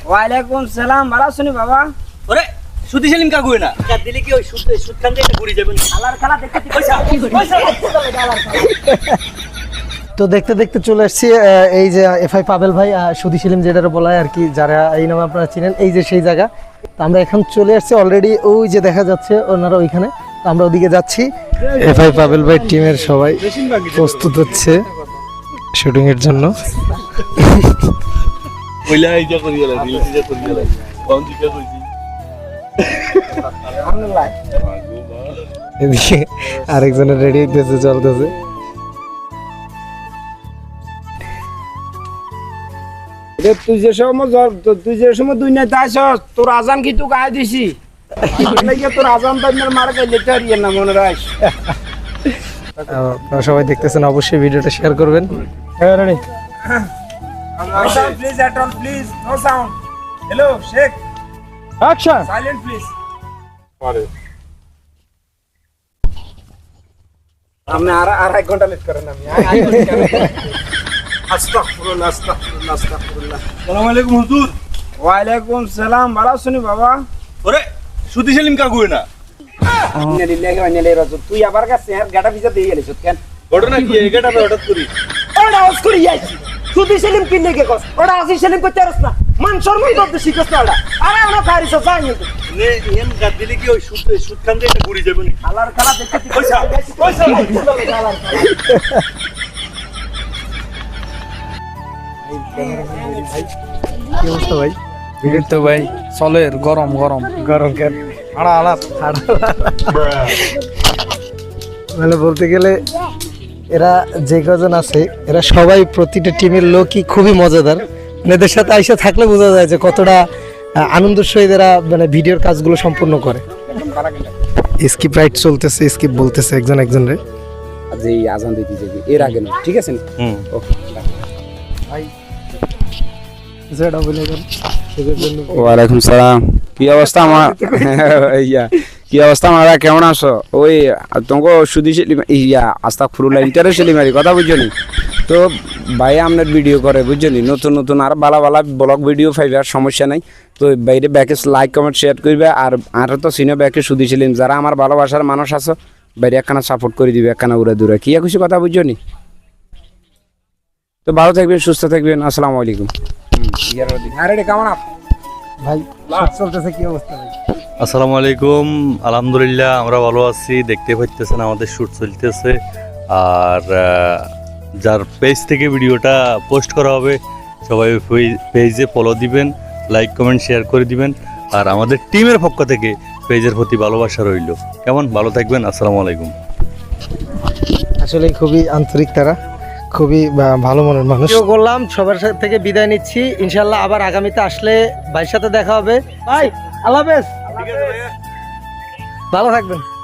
ওয়ালাইকুম সালাম, ভালো আছেন বাবা? ওরে সুদি সেলিম কাকু না কাট দিলে কি ওই সুদ খান দিয়ে ঘুরে যাবেন আলার খেলা দেখতে তো দেখতে দেখতে চলে আসছি এই যে এফআই পাবেল ভাই সুধী সেলিম যেটা বলা হয় আর কি, যারা এই নামে আপনারা চিনেন, এই যে সেই জায়গা। তো আমরা এখন চলে আসছি অলরেডি, ওই যে দেখা যাচ্ছে ওনারা ওইখানে, তো আমরা ওদিকে যাচ্ছি। এফআই পাবেল ভাই টিমের সবাই প্রস্তুত হচ্ছে শুটিং এর জন্য। এদিকে আরেকজনের রেডি হইতেছে, চলতেছে। তুই যে সময় দুই নেতা আসস, তোর আজান কি তুই গায়ে দিছি? তোর আজান তো মারা গেলে না মনে রাখ। আপনারা সবাই দেখতেছেন, অবশ্যই ভিডিওটা শেয়ার করবেন। Please at all, please, no sound. Hello, Sheikh. Action. Silent, please. আপনি আর এক ঘন্টা লেট করেন। আমি আস্তাগফিরুল্লাহ, আস্তাগফিরুল্লাহ, আস্তাগফিরুল্লাহ। আসসালামু আলাইকুম হুজুর। ওয়ালাইকুম সালাম, ভালো আছেন বাবা? ওরে সুদি সেলিম কাকু না ইন্নালিল্লাহি ওয়া ইন্না ইলাইহি রাজিউন। তুই আবার কাছে আর গাটা ভিজা দিয়ে গেলিস কেন? ঘটনা কি এগাটা হঠাৎ করি ওটা আওয়াজ করি যাইছি। সুদি সেলিম কিনে কে কস? ওটা আসি সেলিম করতে পারছ না। মান শর্মাই করতে শিখছ না ওটা। আরে আমরা খারিস যাই নি। নে এম কাট দিলে কি ওই সুদ খান দিয়ে ঘুরে যাবেন আলার খেলা দেখতে পয়সা কি অবস্থা ভাই? তো ভাই চলের গরম গরম গরম কেন? আড়া আলাপ মানে বলতে গেলে এরা যে কজন আছে, এরা সবাই প্রতিটা টিমের লোকই খুবই মজাদার। এদের সাথে আইসা থাকলে বোঝা যায় যে কতটা আনন্দের সহিত এরা মানে ভিডিওর কাজগুলো সম্পূর্ণ করে। স্কিপ রাইট চলতেছে, স্কিপ বলতেছে একজন একজনের। আজ এই আজান দিতে যাবি এর আগে না, ঠিক আছে? ওকে যেটা বলে দেন সেটার জন্য। ওয়ালাইকুম সালাম। কি অবস্থা আমার কি অবস্থা আমরা কেমন আছো? ওই তোমাকে সুদি সেলিম আস্তাগফিরুল্লাহ ইন্টারেস্ট সেলিমারি কথা বুঝছো নি? তো ভাই আপনার ভিডিও করে বুঝছো নি, নতুন নতুন আর ভালো ভালো ব্লগ ভিডিও পাইবে, আর সমস্যা নাই। তো বাইরে ব্যাকে লাইক কমেন্ট শেয়ার করবে, আর তো সিনে ব্যাকে সুদি সেলিম যারা আমার ভালোবাসার মানুষ আছো বাইরে একখানা সাপোর্ট করে দিবে, একখানা উড়ে দূরে কি খুশি কথা বুঝছো নি? তো ভালো থাকবেন, সুস্থ থাকবেন, আসসালামু আলাইকুম। কেমন আপ ভাই চলতেছে, কি অবস্থা ভাই? আসসালামু আলাইকুম। আলহামদুলিল্লাহ আমরা ভালো আছি। দেখতে পাচ্ছেন আমাদের শ্যুট চলতেছে, আর যার পেজ থেকে ভিডিওটা পোস্ট করা হবে সবাই পেজে ফলো দিবেন, লাইক কমেন্ট শেয়ার করে দিবেন, আর আমাদের টিমের পক্ষ থেকে পেজের প্রতি ভালোবাসা রইল। কেমন ভালো থাকবেন, আসসালামু আলাইকুম। আসলে খুবই আন্তরিক তারা, খুবই ভালো মনের মানুষ। করলাম সবার থেকে বিদায় নিচ্ছি, ইনশাল্লাহ আবার আগামীতে আসলে ভাইয়ের সাথে দেখা হবে। ভাই আল্লাহ হাফেজ, ভালো থাকবেন।